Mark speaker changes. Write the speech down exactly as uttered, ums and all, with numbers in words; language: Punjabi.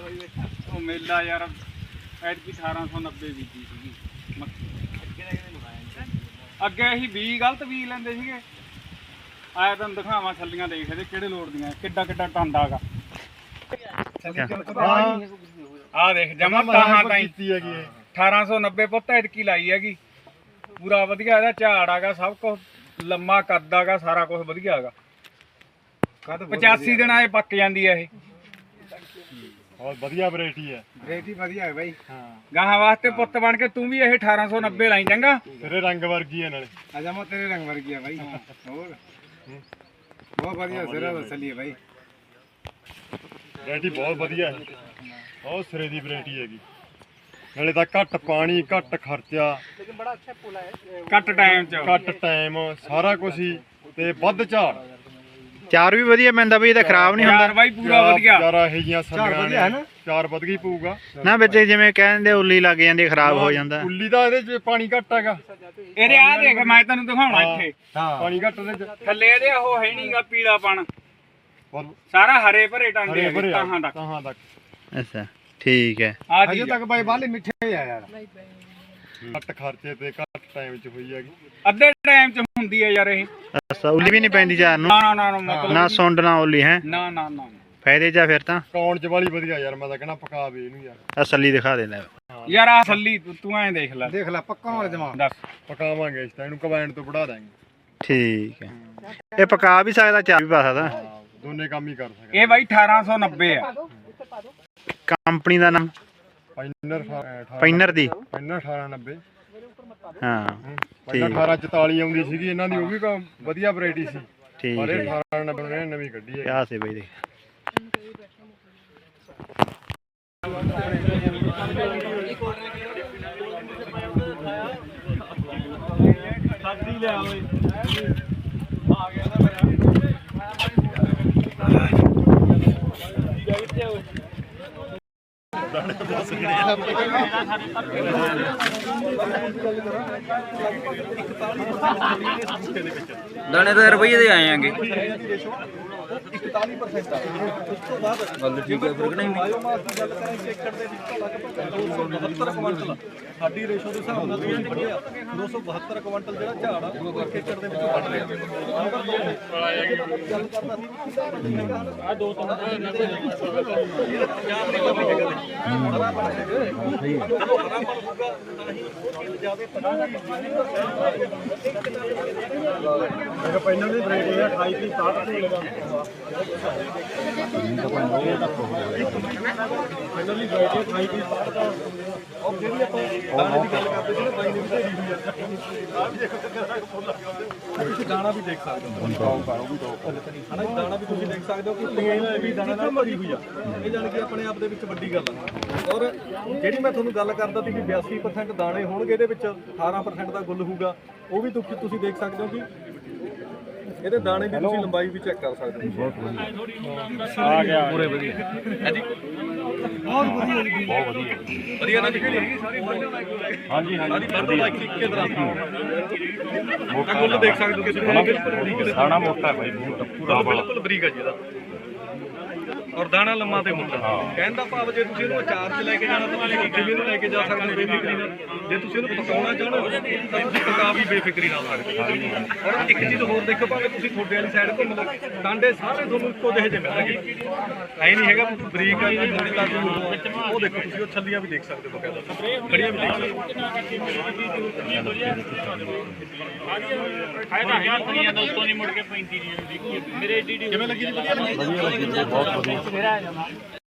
Speaker 1: ਉਹ ਮੇਲਾ ਯਾਰ ਐਤਕੀ ਅਠਾਰਾਂ ਸੌ ਨੱਬੇ ਬੀਜੀ ਸੀਗੀ ਅੱਗੇ ਅਸੀਂ ਵੀਹ ਗਲਤ ਬੀਜ ਲੈਂਦੇ ਸੀਗੇ। ਆਇਆ ਤੁਹਾਨੂੰ ਦਿਖਾਵਾਂ ਛੱਲੀਆਂ ਦੇਖ ਇਹਦੇ ਕਿਹੜੇ ਲੋੜ ਦੀਆਂ ਕਿੱਡਾ ਕਿੱਡਾ ਟਾਂਡਾ ਹੈਗਾ। ਆਹ ਦੇਖ ਜਮਾ ਤਾਹਾਂ ਤਾਈ ਅਠਾਰਾਂ ਸੌ ਨੱਬੇ ਪੁੱਤ ਐਤਕੀ ਲਾਈ ਹੈਗੀ। ਪੂਰਾ ਵਧੀਆ ਇਹਦਾ ਝਾੜ ਹੈਗਾ, ਸਭ ਕੁਝ ਲੰਮਾ ਕੱਦ ਹੈਗਾ, ਸਾਰਾ ਕੁਝ ਵਧੀਆ ਹੈਗਾ। ਪਚਾਸੀ ਦਿਨਾਂ ਇਹ ਪੱਕ ਜਾਂਦੀ ਹੈ ਇਹ।
Speaker 2: ਬਹੁਤ ਵਧੀਆ ਵੈਰਾਈਟੀ ਹੈ।
Speaker 3: ਵੈਰਾਈਟੀ ਵਧੀਆ ਹੈ ਬਾਈ।
Speaker 2: ਹਾਂ
Speaker 1: ਗਾਹਾਂ ਵਾਸਤੇ ਪੁੱਤ ਬਣ ਕੇ ਤੂੰ ਵੀ ਇਹ ਅਠਾਰਾਂ ਸੌ ਨੱਬੇ ਲਾਈ ਚੰਗਾ।
Speaker 2: ਤੇਰੇ ਰੰਗ ਵਰਗੀ ਹੈ ਨਾਲੇ।
Speaker 3: ਅਜਾ ਮੈਂ ਤੇਰੇ ਰੰਗ ਵਰਗੀ ਹੈ ਬਾਈ। ਹੋਰ ਬਹੁਤ ਵਧੀਆ ਸਿਰਾ ਵਸਲੀ ਹੈ ਬਾਈ।
Speaker 2: ਵੈਰਾਈਟੀ ਬਹੁਤ ਵਧੀਆ ਹੈ, ਬਹੁਤ ਸਿਰੇ ਦੀ ਵੈਰਾਈਟੀ ਹੈਗੀ। ਨਾਲੇ ਤਾਂ ਘੱਟ ਪਾਣੀ, ਘੱਟ ਖਰਚਾ,
Speaker 1: ਘੱਟ ਟਾਈਮ ਚ
Speaker 2: ਘੱਟ ਟਾਈਮ, ਸਾਰਾ ਕੁਝ ਹੀ ਤੇ ਵੱਧ ਝਾੜ।
Speaker 4: ਚਾਰ ਵੀ ਵਧੀਆ ਪੈਂਦਾ ਬਈ, ਇਹਦਾ ਖਰਾਬ ਨਹੀਂ ਹੁੰਦਾ।
Speaker 1: ਯਾਰ ਬਾਈ ਪੂਰਾ ਵਧੀਆ।
Speaker 2: ਚਾਰਾ ਇਹ ਜੀਆਂ ਸੱਲੀਆਂ ਨੇ, ਚਾਰ ਵਧ ਗਈ ਪਊਗਾ
Speaker 4: ਨਾ ਵਿੱਚ ਜਿਵੇਂ ਕਹਿੰਦੇ ਉੱਲੀ ਲੱਗ ਜਾਂਦੀ, ਖਰਾਬ ਹੋ ਜਾਂਦਾ।
Speaker 2: ਉੱਲੀ ਦਾ ਇਹਦੇ ਚ ਪਾਣੀ ਘੱਟ ਹੈਗਾ।
Speaker 1: ਇਹਦੇ ਆ ਦੇਖ ਮੈਂ ਤੈਨੂੰ ਦਿਖਾਉਣਾ ਇੱਥੇ
Speaker 2: ਪਾਣੀ ਘੱਟ ਇਹਦੇ ਚ।
Speaker 1: ਥੱਲੇ ਇਹਦੇ ਉਹ ਹੈ ਨਹੀਂਗਾ ਪੀਲਾਪਣ,
Speaker 2: ਹੋਰ
Speaker 1: ਸਾਰਾ ਹਰੇ ਭਰੇ ਟਾਂਡੇ
Speaker 2: ਹਰੇ ਭਰੇ
Speaker 1: ਤਾਹਾਂ ਤੱਕ।
Speaker 2: ਤਾਹਾਂ ਤੱਕ
Speaker 4: ਅੱਛਾ ਠੀਕ ਹੈ।
Speaker 1: ਆ
Speaker 3: ਅਜੇ ਤੱਕ ਬਾਈ ਬਾਲੇ ਮਿੱਠੇ ਆ ਯਾਰ।
Speaker 2: ਘੱਟ ਖਰਚੇ ਤੇ ਘੱਟ ਟਾਈਮ ਚ ਹੋਈ ਹੈਗੀ।
Speaker 1: ਅੱਧੇ ਟਾਈਮ ਚ ਹੁੰਦੀ ਹੈ ਯਾਰ ਇਹ।
Speaker 4: ਅੱਛਾ ਉੱਲੀ ਵੀ ਨਹੀਂ ਪੈਂਦੀ ਚਾਰ ਨੂੰ,
Speaker 1: ਨਾ ਨਾ ਨਾ ਮਤਲਬ
Speaker 4: ਨਾ ਸੁੰਡ ਨਾ ਉੱਲੀ ਹੈ।
Speaker 1: ਨਾ ਨਾ ਨਾ
Speaker 4: ਫਾਇਦੇ ਚ ਆ ਫਿਰ ਤਾਂ।
Speaker 2: ਕੌਣ ਚ ਵਾਲੀ ਵਧੀਆ ਯਾਰ, ਮੈਂ ਤਾਂ ਕਹਿਣਾ ਪਕਾ ਵੇ ਇਹਨੂੰ ਯਾਰ।
Speaker 4: ਅਸਲੀ ਦਿਖਾ ਦੇ ਲੈ
Speaker 1: ਯਾਰ ਆ ਥੱਲੀ ਤੂੰ ਐਂ ਦੇਖ ਲੈ।
Speaker 3: ਦੇਖ ਲੈ ਪੱਕਾ ਵਾਲੇ ਜਮਾ
Speaker 1: ਦੱਸ
Speaker 2: ਪਕਾਵਾਂਗੇ ਇਸ ਤਾਂ ਇਹਨੂੰ ਕੰਬਾਈਨ ਤੋਂ ਵੜਾ ਦਾਂਗੇ।
Speaker 4: ਠੀਕ ਹੈ। ਇਹ ਪਕਾ ਵੀ ਸਕਦਾ, ਚਾਰ ਵੀ ਪਾ ਸਕਦਾ।
Speaker 2: ਹਾਂ ਦੋਨੇ ਕੰਮ ਹੀ ਕਰ ਸਕਦੇ।
Speaker 1: ਇਹ ਬਾਈ ਅਠਾਰਾਂ ਸੌ ਨੱਬੇ ਆ
Speaker 4: ਕੰਪਨੀ ਦਾ ਨਾਮ
Speaker 2: ਪੈਨਰ
Speaker 4: ਪੈਨਰ ਦੀ।
Speaker 2: ਪੈਨਰ ਅਠਾਰਾਂ ਨੱਬੇ।
Speaker 4: ਹਾਂ
Speaker 2: ਪਹਿਲਾਂ ਅਠਾਰਾਂ ਚੁਤਾਲੀ ਆਉਂਦੀ ਸੀਗੀ ਇਹਨਾਂ ਦੀ, ਉਹ ਵੀ ਕ- ਵਧੀਆ ਵੈਰਾਈਟੀ ਸੀ।
Speaker 4: ਠੀਕ
Speaker 2: ਪਰ ਇਹ
Speaker 4: ਹੈ।
Speaker 2: ਅਠਾਰਾਂ ਨੱਬੇ ਨੇ ਨਵੀਂ ਕੱਢੀ ਹੈ।
Speaker 4: ਕਿਆ ਸੀ ਬਈ ਦੇਖ
Speaker 1: ਸਾਡੀ ਲਿਆ ਓਏ ਆ ਗਿਆ ਨਾ ਮੇਰਾ ਦਾਣੇ ਤਾਂ ਰੁਪਈਏ ਦੇ ਆਏ ਆਂਗੇ।
Speaker 3: ਇਕਤਾਲੀ ਪਰਸੈਂਟ ਆ ਉਸ ਤੋਂ ਬਾਅਦ
Speaker 1: ਗੱਲ ਠੀਕ ਹੈ ਫਿਰ ਨਹੀਂ
Speaker 3: ਬਾਇਓਮਾਸ ਦੀ ਗੱਲ ਕਰਾਂ ਇੱਕ ਏਕੜ ਦੇ ਵਿੱਚ ਤੁਹਾਡਾ ਦੋ ਸੌ ਬਹੱਤਰ ਕੁਇੰਟਲ ਸਾਡੀ ਰੇਸ਼ੋ ਦੇ ਹਿਸਾਬ ਨਾਲ ਤੁਸੀਂ ਪੜਿਆ ਦੋ ਸੌ ਬਹੱਤਰ ਕੁਇੰਟਲ ਜਿਹੜਾ ਝਾੜ ਆ ਉਹ ਇੱਕ ਏਕੜ ਦੇ ਵਿੱਚੋਂ ਵੱਢ ਰਿਹਾ। ਗੱਲ ਕਰਦਾ ਸੀ ਆ ਦੋ ਤਿੰਨ
Speaker 2: ਪਹਿਲਾਂ ਦੀ ਵੈਰਾਈਟੀ ਹੈ ਅਠਾਈ ਤੀਹ ਸਤਾਹਠ ਤੋਂ ਲਗਾ ਪਹਿਲਾਂ ਦੀ ਵੈਰਾਈਟੀ ਅਠਾਈ ਤੀਹ ਸਤਾਹਠ ਦਾ। ਔਰ ਜਿਹੜੀ ਆਪਾਂ ਦਾਣੇ ਦੀ ਗੱਲ ਕਰਦੇ ਸੀ ਨਾ ਬਾਈ ਨੇ ਵੀ ਢੇਰੀ ਹੋਈ ਆ। ਆ ਵੀ ਦੇਖੋ ਕਿੰਨਾ ਫੁੱਲ ਆ। ਤੁਸੀਂ ਦਾਣਾ ਵੀ ਦੇਖ ਸਕਦੇ ਹੋ। ਹਨਾ ਦਾਣਾ ਵੀ ਤੁਸੀਂ ਦੇਖ ਸਕਦੇ ਹੋ ਕਿ ਪਲੇਨ ਵੀ ਦਾਣਾ ਨਾਲ ਭਰੀ ਹੋਈ ਆ। ਇਹ ਜਾਣ ਕੇ ਆਪਣੇ ਆਪ ਦੇ ਵਿੱਚ ਵੱਡੀ ਗੱਲ ਆ। ਔਰ ਜਿਹੜੀ ਮੈਂ ਤੁਹਾਨੂੰ ਗੱਲ ਕਰਦਾ ਸੀ ਕਿ ਬਿਆਸੀ ਪਰਸੈਂਟ ਦਾਣੇ ਹੋਣਗੇ, ਇਹਦੇ ਵਿੱਚ ਅਠਾਰਾਂ ਪਰਸੈਂਟ ਦਾ ਗੁੱਲ ਹੋਊਗਾ। ਉਹ ਵੀ ਤੁਸੀਂ ਤੁਸੀਂ ਦੇਖ ਸਕਦੇ ਹੋ ਕਿ ਇਹਦੇ ਦਾਣੇ ਦੀ ਤੁਸੀਂ ਲੰਬਾਈ ਵੀ ਚੈੱਕ ਕਰ ਸਕਦੇ ਹੋ। ਬਹੁਤ
Speaker 1: ਆ ਗਿਆ
Speaker 2: ਪੂਰੇ ਵਧੀਆ ਹਾਂਜੀ
Speaker 3: ਬਹੁਤ ਵਧੀਆ
Speaker 2: ਬਹੁਤ ਵਧੀਆ ਵਧੀਆ ਨਾ ਨਿਕਲੀ ਹੈਗੀ ਸਾਰੀ ਹਾਂਜੀ ਹਾਂਜੀ ਸਾਰੀ ਬੰਦ ਲਾਈਕ ਇੱਕੇ ਤਰ੍ਹਾਂ ਮੋਟਾ ਗੁੱਲ ਦੇਖ ਸਕਦੇ ਹੋ ਕਿਸੇ ਦਾਣਾ ਮੋਟਾ ਹੈ ਭਾਈ ਪੂਰਾ ਬਿਲਕੁਲ ਬਰੀਕ ਹੈ ਜੀ ਇਹਦਾ। ਔਰ ਦਾਣਾ ਲੰਮਾ ਤੇ ਮੋਟਾ। ਕਹਿਣ ਦਾ ਭਾਵ ਜੇ ਤੁਸੀਂ ਇਹਨੂੰ ਅਚਾਰ 'ਚ ਲੈ ਕੇ ਜਾਣਾ ਤਾਂ ਤੁਸੀਂ ਕਿਵੇਂ ਨੂੰ ਲੈ ਕੇ ਜਾ ਸਕਦੇ ਹੋ ਬੇਫਿਕਰੀ ਨਾਲ। ਜੇ ਤੁਸੀਂ ਇਹਨੂੰ ਪਕਾਉਣਾ ਚਾਹੋ ਤਾਂ ਤੁਸੀਂ ਪਕਾ ਵੀ ਬੇਫਿਕਰੀ ਨਾਲ ਸਕਦੇ ਹੋ। ਔਰ ਇੱਕ ਚੀਜ਼ ਹੋਰ ਦੇਖੋ, ਭਾਵੇਂ ਤੁਸੀਂ ਤੁਹਾਡੇ ਵਾਲੀ ਸਾਈਡ ਘੁੰਮ ਲਓ, ਟਾਂਡੇ ਸਾਰੇ ਤੁਹਾਨੂੰ ਇੱਕੋ ਜਿਹੇ ਜਿਹੇ ਮਿਲਣਗੇ। ਐ ਨਹੀਂ ਹੈਗਾ ਬਰੀਕ ਆ ਜੀ ਮੋਟੀ ਲੱਗ ਜੂ। ਉਹ ਦੇਖੋ ਤੁਸੀਂ ਉਹ ਛੱਲੀਆਂ ਵੀ ਦੇਖ ਸਕਦੇ ਹੋ, ਬਕਾਇਦਾ ਖੜੀਆਂ ਵੀ ਦੇਖ ਸਕਦੇ ਹੋ। ਕਿਵੇਂ ਲੱਗੀ ਜੀ? ਵਧੀਆ ਲੱਗੀ। ਬਹੁਤ ਵਧੀਆ ਬਹੁਤ ਵਧੀਆ।